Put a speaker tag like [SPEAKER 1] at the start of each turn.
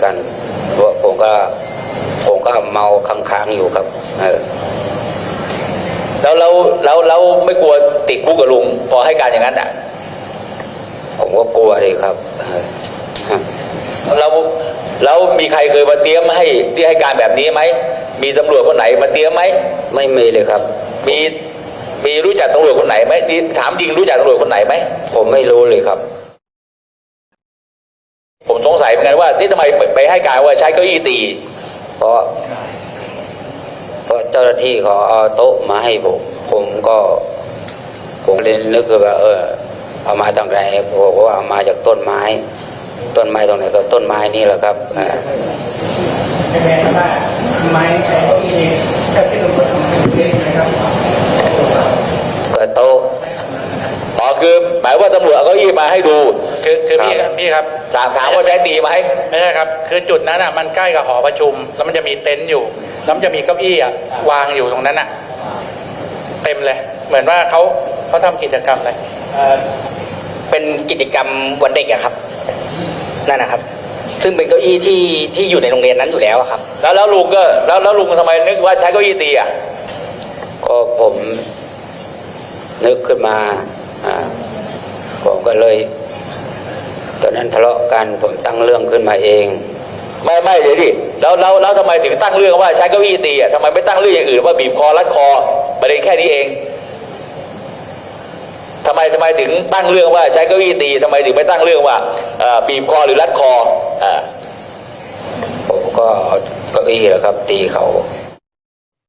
[SPEAKER 1] กันเพราะผมก็เมาค้างๆอยู่ครับ
[SPEAKER 2] แล้วไม่กลัวติดคุกกับลุงพอให้การอย่างนั้นอ่ะ
[SPEAKER 1] ผมก็กลัวเลยครับ
[SPEAKER 2] แล้วมีใครเคยมาเตรียมให้ที่ให้การแบบนี้ไหมมีตำรวจคนไหนมาเตรียมไหม
[SPEAKER 1] ไม่มีเลยครับ
[SPEAKER 2] มีรู้จักตำรวจคนไหนไหมนี่ถามจริงรู้จักตำรวจคนไหนไหม
[SPEAKER 1] ผมไม่รู้เลยครับ
[SPEAKER 2] ผมสงสัยเหมือนกันว่าที่ทำไมไปให้การว่าใช้เก้าอี้ตี
[SPEAKER 1] เพราะเจ้าหน้าที่เขาเอาโต๊ะมาให้ผมเลยนึกว่าเอามาตั้งแต่ผมว่าเอามาจากต้นไม้ตรงไหนก็ต้นไม้นี่แหละครับ
[SPEAKER 3] เป็นไงว่าไม้เก้าอี้ถ้าที่เราทำเป็นเล่นนะครับ
[SPEAKER 1] ก็โต๊ะ
[SPEAKER 2] คือหมายว่าตำรวจเอาเก้าอี้มาให้ดู
[SPEAKER 4] คือพี่ครับ
[SPEAKER 2] ถามว่าใช้ตีไหม
[SPEAKER 4] ไม่ใช่ครับคือจุดนั้นอ่ะมันใกล้กับหอประชุมแล้วมันจะมีเต็นท์อยู่แล้วมันจะมีเก้าอี้อ่ะวางอยู่ตรงนั้นอ่ะเต็มเลยเหมือนว่าเขาทำกิจกรรมอะไร
[SPEAKER 5] เป็นกิจกรรมวันเด็กอะครับนั่นนะครับซึ่งเป็นเก้าอี้ที่อยู่ในโรงเรียนนั้นอยู่แล้วครับ
[SPEAKER 2] แล้วลุงก็แล้วลุงทำไมนึกว่าใช้เก้าอี้ตีอ่ะ
[SPEAKER 1] ก็ผมนึกขึ้นมาผมก็เลยตอนนั้นทะเลาะกันผมตั้งเรื่องขึ้นมาเอง
[SPEAKER 2] ไม่เดี๋ยวดิแล้วทำไมถึงตั้งเรื่องว่าใช้เก้าอี้ตีอ่ะทำไมไม่ตั้งเรื่องอย่างอื่นว่าบีบคอรัดคอประเด็นแค่นี้เองทำไมถึงตั้งเรื่องว่าใช้เก้าอี้ตีทำไมถึงไม่ตั้งเรื่องว่าบีบคอหรือรัดคอ
[SPEAKER 1] ผมก็เก้าอี้แหละครับตีเขา